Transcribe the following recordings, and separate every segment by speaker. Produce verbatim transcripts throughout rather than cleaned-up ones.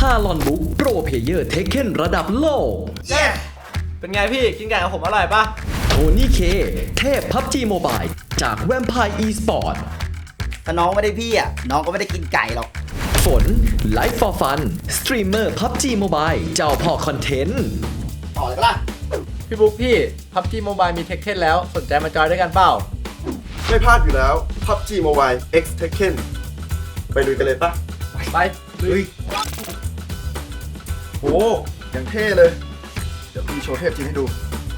Speaker 1: าลอนบุ๊กโปรเพเยอร์เทคเคนระดับโลก
Speaker 2: เย้เป็นไงพี่กินไก่กับผมอร่อยปะ
Speaker 1: โทนี่เคเทพพับจีโมบายจากแวมไพร์อีสปอร์ต
Speaker 3: ถ้าน้องไม่ได้พี่อ่ะน้องก็ไม่ได้กินไก่หรอก
Speaker 1: ฝน Life for Fun สตรีมเมอร์ พับจี Mobile เจ้าพ่อคอนเทนต์
Speaker 3: ต่อเลยปะล่ะ
Speaker 2: พี่บุ๊กพี่ พับจีโมบายมีเทคเคนแล้วสนใจมาจอยด้วยกันเปล่า
Speaker 4: ไม่พลาดอยู่แล้ว พับจี Mobile X Tekken ไปลุยกันเลยปะ
Speaker 2: ไปลุย
Speaker 4: โอ้ยังเท่เลย เดี๋ยวพี่โชว์เทพจริงให้ดู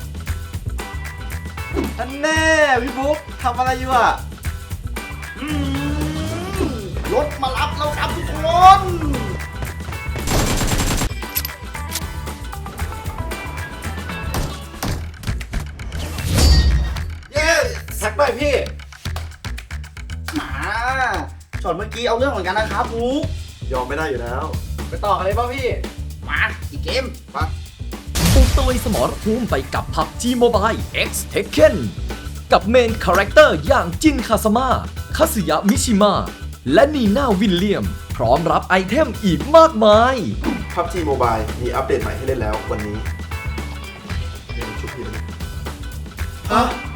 Speaker 2: อันแน่พี่บุ๊กทำอะไรอยู่อ่ะ
Speaker 3: รถมารับแล้วครับทุกคน
Speaker 2: เย้แท็กหน่อยพี่
Speaker 3: มาช็อตเมื่อกี้เอาเรื่องเหมือนกันนะครับบุ๊ก
Speaker 4: ยอมไม่ได้อยู่แล้ว
Speaker 2: ไปต่อกันเลยป่ะพี่
Speaker 3: มาอีกเกม
Speaker 4: ปะ
Speaker 1: ปุกตะลุยสมรภูมิไปกับ พับจี Mobile X Tekken กับเมนคาแรคเตอร์อย่างจินคาซาม่าคาสึยะมิชิมะและนีน่าวิลเลียมพร้อมรับไอเทมอีกมากมาย
Speaker 4: พับจี Mobile มีอัปเดตใหม่ให้เล่นแล้ววันนี้เดี๋ยวชุบพี่เลย
Speaker 2: ฮะ